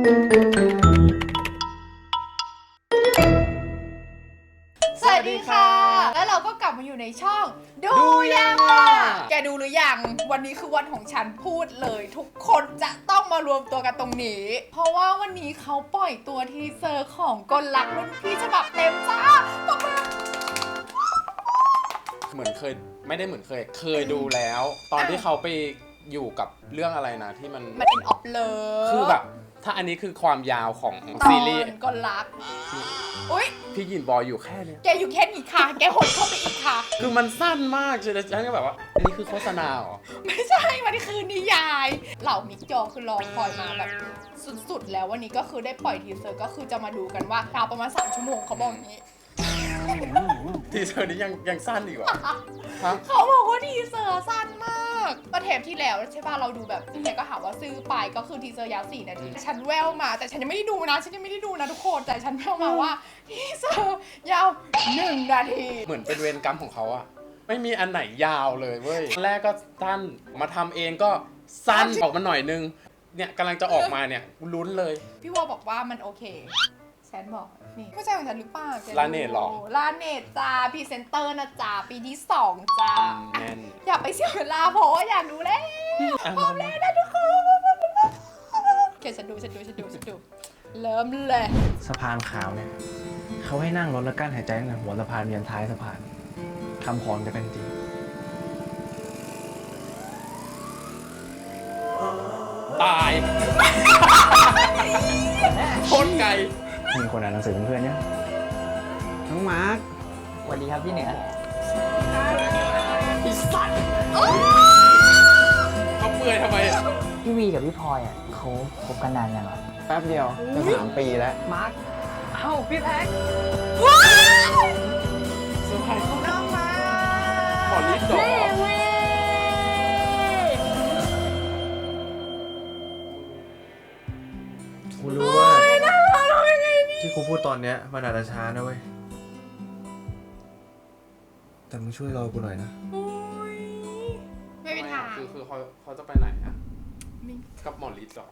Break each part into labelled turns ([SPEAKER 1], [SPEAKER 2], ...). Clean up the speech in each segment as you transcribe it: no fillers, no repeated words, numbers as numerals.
[SPEAKER 1] สวัสดีค่ะแล้วเราก็กลับมาอยู่ในช่องดูยังอ่ะแกดูหรือยังวันนี้คือวันของฉันพูดเลยทุกคนจะต้องมารวมตัวกันตรงนี้เพราะว่าวันนี้เขาปล่อยตัวทีเซอร์ของกลลักรุ่นพี่ฉบับเต็มจ้าปกมา
[SPEAKER 2] เหมือนเคยไม่ได้เหมือนเคยดูแล้ว ตอนที่เขาไปอยู่กับเรื่องอะไรนะที่มัน
[SPEAKER 1] อินออฟเลิฟ
[SPEAKER 2] คือแบบถ้าอันนี้คือความยาวของ
[SPEAKER 1] ตอ
[SPEAKER 2] ซีรีส์
[SPEAKER 1] นกลลักอุ๊ย
[SPEAKER 2] พี่ยินบอยอยู่แค่เนี้ย
[SPEAKER 1] แกอยู่แค่นี้ค่ะแกหดเข้าไปอีกค่ะ
[SPEAKER 2] คือมันสั้นมากใช่ไหมฉันก็แบบว่าอันนี้คือโฆษณาเหรอ
[SPEAKER 1] ไม่ใช่มันคือนิยายเหล่ามิกจอคือรอคอยมาแบบสุดๆแล้ววันนี้ก็คือได้ปล่อยทีเซอร์ก็คือจะมาดูกันว่ายาวประมาณ3 ชั่วโมงเขาบอกอย่างนี้
[SPEAKER 2] ทีเซอร์นี้ยังสั้นอีกเหรอ
[SPEAKER 1] เขาบอกว่าทีเซอร์สั้นมากประเทปที่แล้วใช่ป่ะเราดูแบบเนี่ยก็หาว่าซื้อไปก็คือทีเซอร์ยาว4 นาทีฉันแววมาแต่ฉันยังไม่ได้ดูนะทุกคนแต่ฉันแววมาว่าทีเซอร์ยาว1 นาที
[SPEAKER 2] เหมือนเป็นเวรกรรมของเขาอะไม่มีอันไหนยาวเลยเว้ยแรกก็สั้นมาทำเองก็สั้นออกมาหน่อยนึงเนี่ยกำลังจะออกมาเนี่ยลุ้นเลย
[SPEAKER 1] พี่วอบอกว่ามันโอเคฉันบอกนี่ผู้ชายของฉันหรือเปล่า
[SPEAKER 2] ลาเนตหรอ
[SPEAKER 1] ลาเนตจ้าพรีเซนเตอร์นะจ้าปีที่2จ้า
[SPEAKER 2] แน่น
[SPEAKER 1] อย่าไปเสียเวลาเพราะว่าอยากดูแล้วพร้อมแล้วนะทุกคนโอเคฉันดูเริ่มเลย
[SPEAKER 3] สะพานขาวเนี่ยเขาให้นั่งรถแล้วกั้นหายใจตั้งแต่หัวสะพานยันท้ายสะพานคำขอจะเป็นจริง
[SPEAKER 2] ตายโคตรไกล
[SPEAKER 3] มีคนอ่านหนังสือเพื่อนเนี่ยน้องมาร์ค
[SPEAKER 4] สวัสดีครับพี่เหนือ
[SPEAKER 1] อีสัตว์
[SPEAKER 2] เขาเปื่อยทำไม
[SPEAKER 4] พี่วีกับพี่พลอยอ่ะเขาคบกันนานยังอ่ะ
[SPEAKER 3] แป๊บเดียวจะ3 ปีแล้ว
[SPEAKER 4] มาร์คเอ้าพี่แพ็ค
[SPEAKER 1] ว้าว
[SPEAKER 2] เซอร์ไพรส์เขา
[SPEAKER 1] น้องมา
[SPEAKER 2] ขอลิฟต์ดอก
[SPEAKER 3] กูรู้ว่าที่กูพูดตอนเนี้ยมันอาจจะช้านะเว้ยแต่มึงช่วยรอกูหน่อยนะ
[SPEAKER 1] ไม่มีทาง
[SPEAKER 2] คือเขาจะไปไหนอะกับหมอลิศหรอ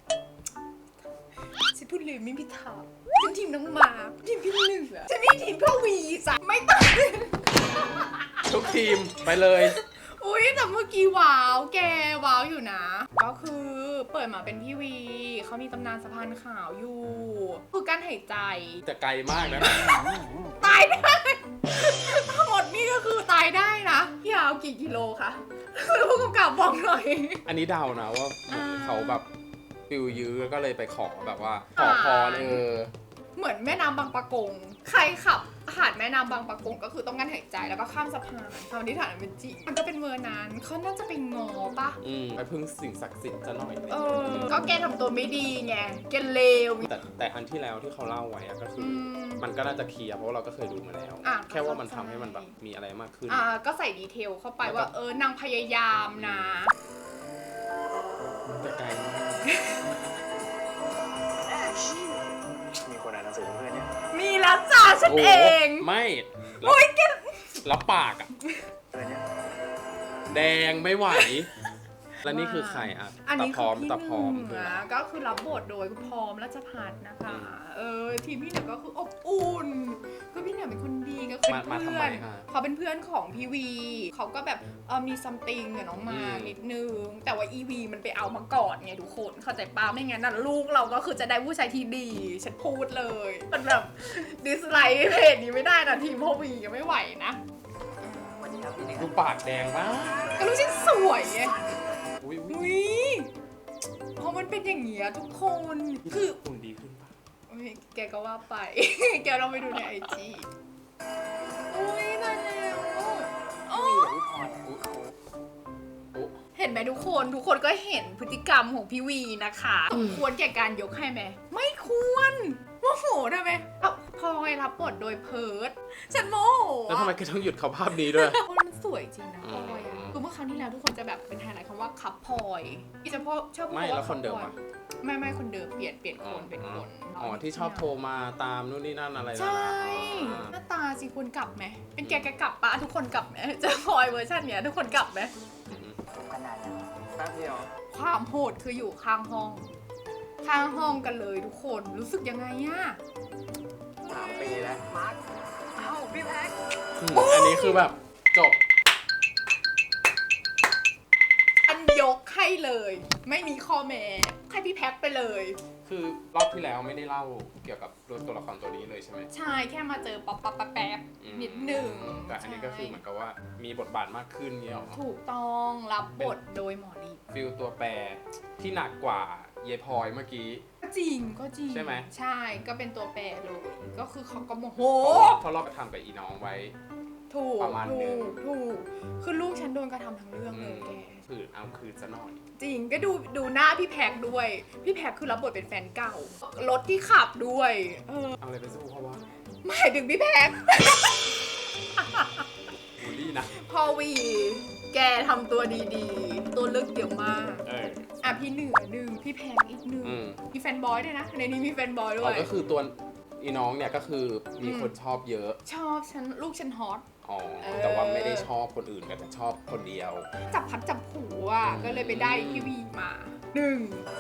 [SPEAKER 1] ฉันพูดเลยไม่มีทางฉันทีมน้องมาทีมพี่เหนือฉันไม่ทีมพ่อวีจ้ะไม่ต้อง
[SPEAKER 2] ทุกทีมไปเลย
[SPEAKER 1] อุ้ยแต่เมื่อกี้ว้าวแกว้าวอยู่นะก็คือเปิดมาเป็นพี่วีเขามีตำนานสะพานขาวอยู่คือการหายใจ
[SPEAKER 2] แต่ไกลมากนะ
[SPEAKER 1] ตายได้ทั้งหมดนี่ก็คือตายได้นะพี่เอากี่กิโลคะผู้กำกับบอกหน่อย
[SPEAKER 2] อันนี้เดานะว่าเขาแบบฟิลยื้อก็เลยไปขอแบบว่าขอพร
[SPEAKER 1] เหมือนแม่น้ำบางปะกงใครขับผ่านแม่น้ำบางปะกงก็คือต้องกั้นหายใจแล้วก็ข้ามสะพานทำที่ฐานเป็นจริงมันก็เป็นเวอร์นั้นเขาน่าจะไปงอปะ
[SPEAKER 2] ไปพึ่งสิ่งศักดิ์สิทธิ์จะหน่อย
[SPEAKER 1] ก็แกทำตัวไม่ดีไงแกเลว
[SPEAKER 2] แต่อันที่แล้วที่เขาเล่าไว้ก็คือมันก็น่าจะเคลียร์เพราะเราก็เคยดูมาแล้วแค่ว่ามันทำให้มันแบบมีอะไรมากขึ้น
[SPEAKER 1] ก็ใส่ดีเทลเข้าไปว่านางพยายามนะ
[SPEAKER 2] แต่ไกลมาก
[SPEAKER 3] มีคนอ่านหนังสือเพื่อนเนี่ย
[SPEAKER 1] มีแล้วจ้าฉันเอง
[SPEAKER 2] ไม่
[SPEAKER 1] โอ้ยแก
[SPEAKER 2] แล้วปากอะแดงไม่ไหวแล้วนี่คือใครอะ
[SPEAKER 1] อันนี้คือพี่
[SPEAKER 2] ตาพร้อม
[SPEAKER 1] ก็คือรับบทโดยคุณพร้อมรัชพัฒน์นะคะทีมพี่เหนือก็คืออบอุ่นคือพี่เหนือเป็นคนดีก็คือเพื่อนเขาเป็นเพื่อนของพี่วีเขาก็แบบมีซัมติงกับน้องมานิดนึงแต่ว่าอีวีมันไปเอามาก่อนไงทุกคนเข้าใจป้าไม่งั้นน่ะลูกเราก็คือจะได้ผู้ชายที่ดีฉันพูดเลยมันแบบดิสไลค์เพจนี้ไม่ได้นะทีมพ่อวียังไม่ไหวนะ
[SPEAKER 2] ดูปากแดงมาก
[SPEAKER 1] ก็รู้ฉันสวยไงอุ้ยเพราะมันเป็นอย่างเงี้ยทุกคนคือ
[SPEAKER 2] คุณดีขึ้นปะ
[SPEAKER 1] แกก็ว่าไป แกลองไปดูในIGอุ้ยตายแล้วเห็นไหมทุกคนก็เห็นพฤติกรรมของพี่วีนะคะควรแก่การยกให้ไหมไม่ควรโมโหได้ไหมพลอยรับบทโดยเพิร์ดฉันโมโห
[SPEAKER 2] แล้วทำไมแกต้องหยุดเขาภาพนี้ด้วย
[SPEAKER 1] มันสวยจริงนะพลอยคือเมื่อครั้งที่แล้วทุกคนจะแบบเป็นไฮไลท์คำว่าคัพพลอยที่จะชอบพูดว่า
[SPEAKER 2] แล้วคนเดิมอ่ะ
[SPEAKER 1] ไม่คนเดิมเปลี่ยนคน
[SPEAKER 2] ที่ชอบโทรมาตามนู่นนี่นั่นอะไร
[SPEAKER 1] ใช่หน้าตาสิคุณกลับไหมเป็นแกกลับปะทุกคนกลับไหมจะพลอยเวอร์ชันเนี้ยทุกคนกลับไหม
[SPEAKER 4] ขนาดนั้น
[SPEAKER 3] แป๊บเดียว
[SPEAKER 1] ความโหดคืออยู่ข้างห้องข้างห้องกันเลยทุกคนรู้สึกยังไงอะ
[SPEAKER 3] 3 ปีแล้ว
[SPEAKER 4] มาร์คเอ้าพี่แพ็ค
[SPEAKER 2] อันนี้คือแบบจบ
[SPEAKER 1] อันยกให้เลย ไม่มีข้อแม้ให้พี่แพ็คไปเลย
[SPEAKER 2] คือรอบที่แล้วไม่ได้เล่าเกี่ยวกับตัวละครตัวนี้เลยใช่ไหม
[SPEAKER 1] ใช่แค่มาเจอป๊อปแป๊บนิดหนึ่ง
[SPEAKER 2] แต่อันนี้ก็คือเหมือนกับว่ามีบทบาทมากขึ้นเงี้ยหรอ
[SPEAKER 1] ถูกต้องรับบทโดยหมอลี
[SPEAKER 2] ฟิลตัวแปรที่หนักกว่าเยพลอยเมื่อกี้
[SPEAKER 1] ก็จริงก็จริง
[SPEAKER 2] ใช่ไหม
[SPEAKER 1] ใช่ก็เป็นตัวแปรเลยก็คือเขาก็โมโห
[SPEAKER 2] เพราะเราไปทำกับอีน้องไว้
[SPEAKER 1] ถูก
[SPEAKER 2] ประมาณหนึ่ง
[SPEAKER 1] ถูกคือลูกฉันโดนกระทำทั้งเรื่องเลยแก
[SPEAKER 2] คือเอาคืนซะหน่อย
[SPEAKER 1] จริงก็ดูหน้าพี่แพ็คด้วย พี่แพ็คคือรับบทเป็นแฟนเก่ารถที่ขับด้วย
[SPEAKER 2] เอาอะไรไปสู้เขาวะ
[SPEAKER 1] หมายถึงพี่แพ็ค
[SPEAKER 2] บูลลี่นะ
[SPEAKER 1] พอวี แกทำตัวดีๆ ตัวเลือกเยอะมาก อ่ะพี่เหนือหนึ่งพี่แพ็คอีกหนึ่ง
[SPEAKER 2] อืม
[SPEAKER 1] มีแฟนบอยด้วยนะ ในนี้มีแฟนบอยด้
[SPEAKER 2] อ๋
[SPEAKER 1] ว
[SPEAKER 2] อย ก็คือตัวอีน้องเนี่ยก็คือมีคนชอบเยอะ
[SPEAKER 1] ชอบฉันลูกฉันฮอต
[SPEAKER 2] อ๋อ แต่ว่าไม่ได้ชอบคนอื่นแต่ชอบคนเดียว
[SPEAKER 1] จับพัดจับผูอ่ะ ก็เลยไปได้พี่วีมาหนึ่ง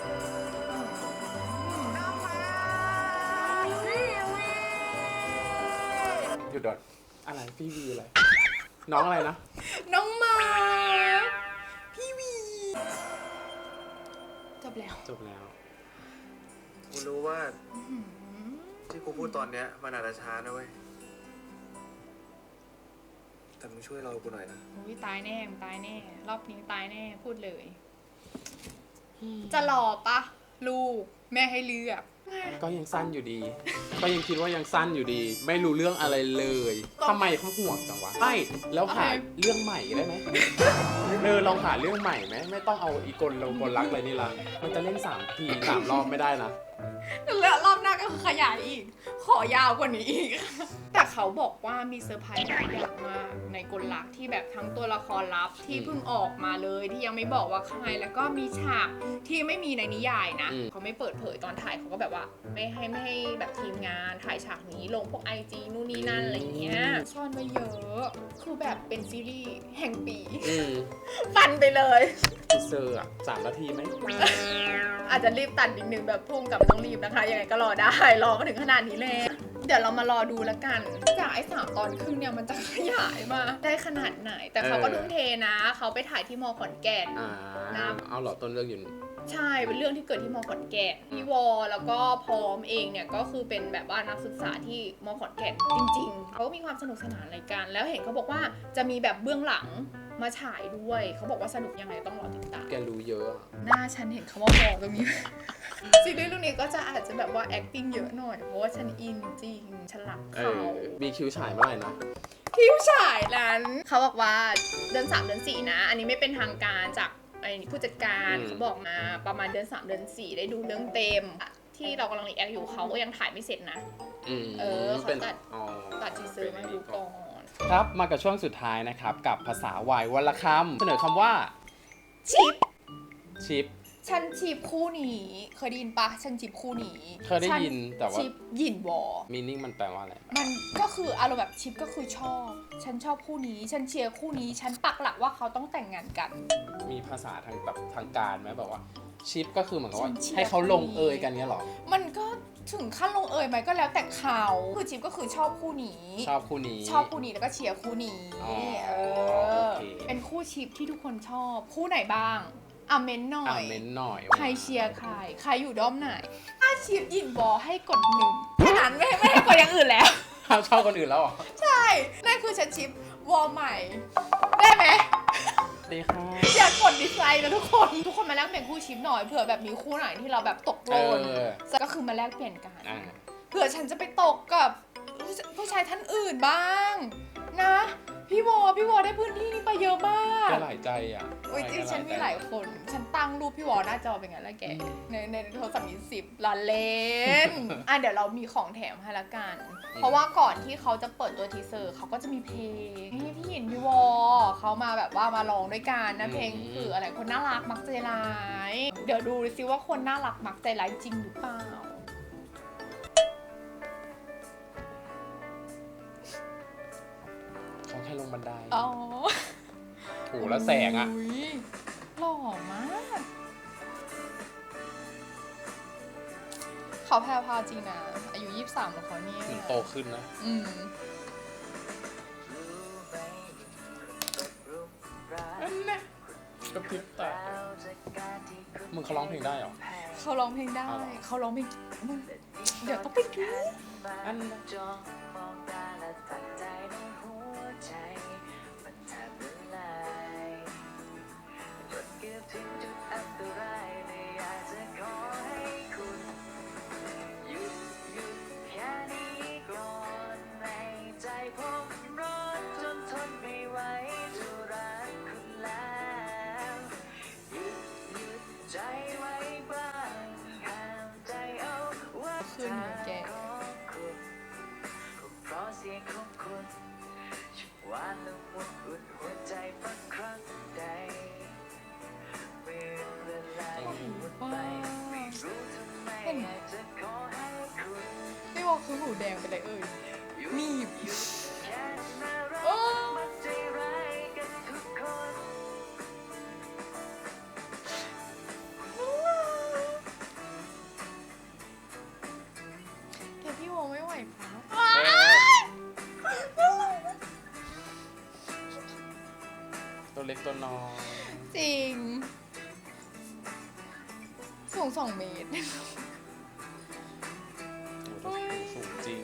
[SPEAKER 2] หยุดดอดอะไรพี่วีอะไร น้องอะไรนะ
[SPEAKER 1] น้องมาพี่วีจบแล้ว
[SPEAKER 2] จบแล้ว
[SPEAKER 5] กูรู้ว่าที่กูพูดตอนเนี้ยมันอาจจะช้านะเว้ย แต่มึงช่วยเรากูหน่อยนะ
[SPEAKER 1] อุ้ยตายแน่มึงตายแน่ รอบนี้ตายแน่พูดเลย จะรอปะลูกแม่ให้เลือก
[SPEAKER 2] ก็ยังสั้นอยู่ดี ก็ยังคิดว่ายังสั้นอยู่ดี ไม่รู้เรื่องอะไรเลยทำไมเขาห่วงจังวะใช่แล้วหาเรื่องใหม่ได้ไหมลองหาเรื่องใหม่ไหมไม่ต้องเอาอีกลรักเลยนี่ละมันจะเล่น3 ที 3 รอบไม่ได้นะ
[SPEAKER 1] แล้วรอบหน้าก็คือขยายอีก ขอยาวกว่านี้อีก แต่เขาบอกว่ามีเซอร์ไพรส์หลายอย่างมากในกลลักที่แบบทั้งตัวละครลับที่เพิ่งออกมาเลยที่ยังไม่บอกว่าใครแล้วก็มีฉากที่ไม่มีในนิยายนะ เขาไม่เปิดเผยตอนถ่ายเขาก็แบบว่าไม่ให้แบบทีมงานถ่ายฉากนี้ลงพวก IG นู่นนี่นั่นอะไรเงี้ยซ่อนไว้เยอะคือแบบเป็นซีรีส์แห่งปี ฟันไปเลย
[SPEAKER 2] ทีเซอร์อะ3 นาทีไหม
[SPEAKER 1] อาจจะรีบตัดนิดนึงแบบพุ่งกับไม่ต้องรีบนะคะ ยังไงก็รอได้ รอมาถึงขนาดนี้แล้ว เดี๋ยวเรามารอดูแล้วกันจากไอ้3 ตอนครึ่งเนี่ยมันจะขยายมาได้ขนาดไหน แต่เขาก็ทุ่มเทนะ เขาไปถ่ายที่มอขอนแก่น
[SPEAKER 2] เอาเหรอต้นเรื่องอยู่
[SPEAKER 1] ใช่ เป็นเรื่องที่เกิดที่มอขอนแก่นพี่วอแล้วก็พร้อมเองเนี่ยก็คือเป็นแบบว่านักศึกษาที่มอขอนแก่นจริงๆ เขามีความสนุกสนานอะไรกัน แล้วเห็นเขาบอกว่าจะมีแบบเบื้องหลังมาฉายด้วย เขาบอกว่าสนุกยังไงต้องรอติดตาม
[SPEAKER 2] แกรู้เยอะ
[SPEAKER 1] หน้าฉันเห็นคำว่ามอตรงนี้ ซีรีส์เรื่องนี้ก็จะอาจจะแบบว่า acting เยอะหน่อย เพราะว่าฉันอินจริง ฉันรักเขา
[SPEAKER 2] มีคิวฉายเมื่อไหร่นะ
[SPEAKER 1] คิวฉายนั้นเขาบอกว่าเดือน 3 เดือน 4 นะ อันนี้ไม่เป็นทางการจากผู้จัดการเขาบอกมาประมาณเดือน 3 เดือน 4 ได้ดูเรื่องเต็ม ที่เรากำลังรีแอคอยู่เขาก็ยังถ่ายไม่เสร็จนะเขาตัดทีเซอร์มาดูก่อน
[SPEAKER 2] ครับมากับช่วงสุดท้ายนะครับกับภาษาวายวันละคำเสนอคำว่า
[SPEAKER 1] ชิป
[SPEAKER 2] ชิป
[SPEAKER 1] ฉันชิปคู่นี้เคยได้ยินปะฉันชิปคู่นี้
[SPEAKER 2] เคยได้ยินแต่ว่า
[SPEAKER 1] ชิปหยินวอ
[SPEAKER 2] มีนิ่งมันแปลว่าอะไร
[SPEAKER 1] มันก็คืออารมณ์แบบชิปก็คือชอบ ฉันชอบคู่นี้ ฉันเชียร์คู่นี้ ฉันปักหลักว่าเขาต้องแต่งงานกัน
[SPEAKER 2] มีภาษาทางแบบทางการไหมแบบว่าชิปก็คือเหมือนกับว่า
[SPEAKER 1] ฉันเชียร์
[SPEAKER 2] ให้เขาลงเอยกันเนี้ยหรอ
[SPEAKER 1] มันก็ถึงขั้นลงเอยไหมก็แล้วแต่เขาคือชิปก็คือชอบคู่นี้
[SPEAKER 2] ชอบคู่นี้
[SPEAKER 1] ชอบคู่นี้แล้วก็เชียร์คู่นี้
[SPEAKER 2] อ๋อ
[SPEAKER 1] อ
[SPEAKER 2] โอเค
[SPEAKER 1] เป็นคู่ชิปที่ทุกคนชอบ คู่ไหนบ้างอ่ะเม้นหน่อย
[SPEAKER 2] เม้นหน่อย
[SPEAKER 1] ใครเชียร์ใคร ใครอยู่ด้อมไหน ถ้าชิปยินบอให้กด1แค่นั้นไม่ให้กดอย่างอื่นแล้ว
[SPEAKER 2] ชอบคนอื่นแล้วเหรอ
[SPEAKER 1] ใช่ นั่นคือฉันชิปวอลใหม่ ได้ไหม
[SPEAKER 2] ดีค่ะ
[SPEAKER 1] อยากกดดิสไลค์นะทุกคน ทุกคนมาแลกเปลี่ยนคู่ชิปหน่อย เผื่อแบบมีคู่ไหนที่เราแบบตกโลนก็คือมาแลกเปลี่ยนกัน เผื่อฉันจะไปตกกับผู้ชายท่านอื่นบ้าง นะ พี่วอได้พื้นที่นี้ไปเยอะมาก
[SPEAKER 2] ก็หลายใจอ่ะ
[SPEAKER 1] อุ้ยจริงฉันมีหลายคน ฉันตั้งรูปพี่วอหน้าจอเป็นไงล่ะแก ในโทรศัพท์มี10ล้านเลน เดี๋ยวเรามีของแถมให้ละกัน เพราะว่าก่อนที่เขาจะเปิดตัวทีเซอร์เขาก็จะมีเพลงให้พี่หยินพี่วอเขามาแบบว่ามาร้องด้วยกันนะเพลงคืออะไรคนน่ารักมักใจร้าย เดี๋ยวดูซิว่าคนน่ารักมักใจร้ายจริงหรือเปล่า
[SPEAKER 2] เขาแค่ลงบันได
[SPEAKER 1] อ๋อ
[SPEAKER 2] โหแล้วแสงอ่ะ
[SPEAKER 1] ยหล่อมากเขาแพรวพราวจริงนะ อายุ 23ของเขาเนี่ย
[SPEAKER 2] มันโตขึ้นนะ
[SPEAKER 1] อืม
[SPEAKER 2] อันน่ะกระพริบตามึงเขาร้องเพลงได้เหรอ
[SPEAKER 1] เขาร้องเพลงได้
[SPEAKER 2] อ๋อเหรอ
[SPEAKER 1] เขาร้องเพลงมึงเดี๋ยวต้องไปดู
[SPEAKER 2] อันน่ะ
[SPEAKER 1] ขึ้นเหมือนแก เห็นพี่วอลคือหูแดงไปเลยมีบโอ้แกพี่วอลไม่ไหวครับ
[SPEAKER 2] ตัวเล็กตัวน้อย
[SPEAKER 1] จริง สูง2 เมตร
[SPEAKER 2] โอ้โหสูงจริง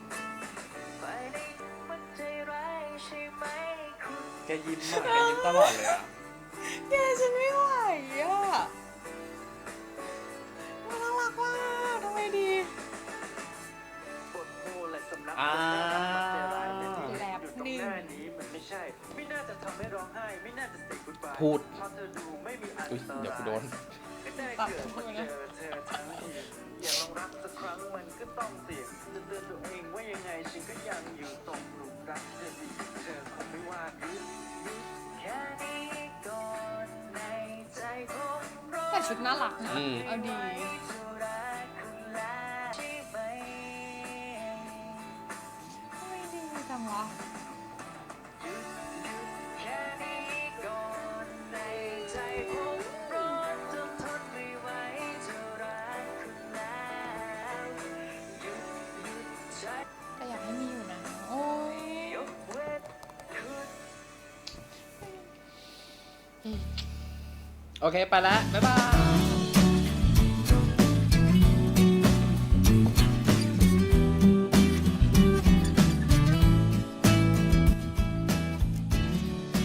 [SPEAKER 2] แกยิ้มอ่ะแกยิ้มตลอดเลยอ่ะ
[SPEAKER 1] แกฉันไม่ไหวอ่ะมันน่ารักมากทำไมดี
[SPEAKER 2] อ่า
[SPEAKER 1] แลบหนึ่ง
[SPEAKER 2] พูด อุ๊ยเดี๋ยวกูโดน
[SPEAKER 1] ตัดเข้าไปนะ
[SPEAKER 5] อย่าลองรักสักครั้งมันก็ต้องเสี่ยงจะเตือนตัวเองว่ายังไงฉันก็ยังอยู่ตรงหลุมรักเธอดีเธอคงไม่ว่าแค่นี้ก่อนในใจผมรอ
[SPEAKER 1] แต่ชุดน่ารักนะ
[SPEAKER 2] อืม
[SPEAKER 1] เอาดี
[SPEAKER 5] จะรักคุณแล้วใช่ไหม
[SPEAKER 1] ทำไมดีจังวะ
[SPEAKER 5] แค่นี้ก่อนในใจผมรอจนทนไม่ไหวจะรักคุณแล้วหยุดใจ
[SPEAKER 1] แต่อยากให้มีอยู่นะ โอ้ย
[SPEAKER 5] ยกเว้นคุณ
[SPEAKER 2] โอเค ไปแล้ว บ๊ายบาย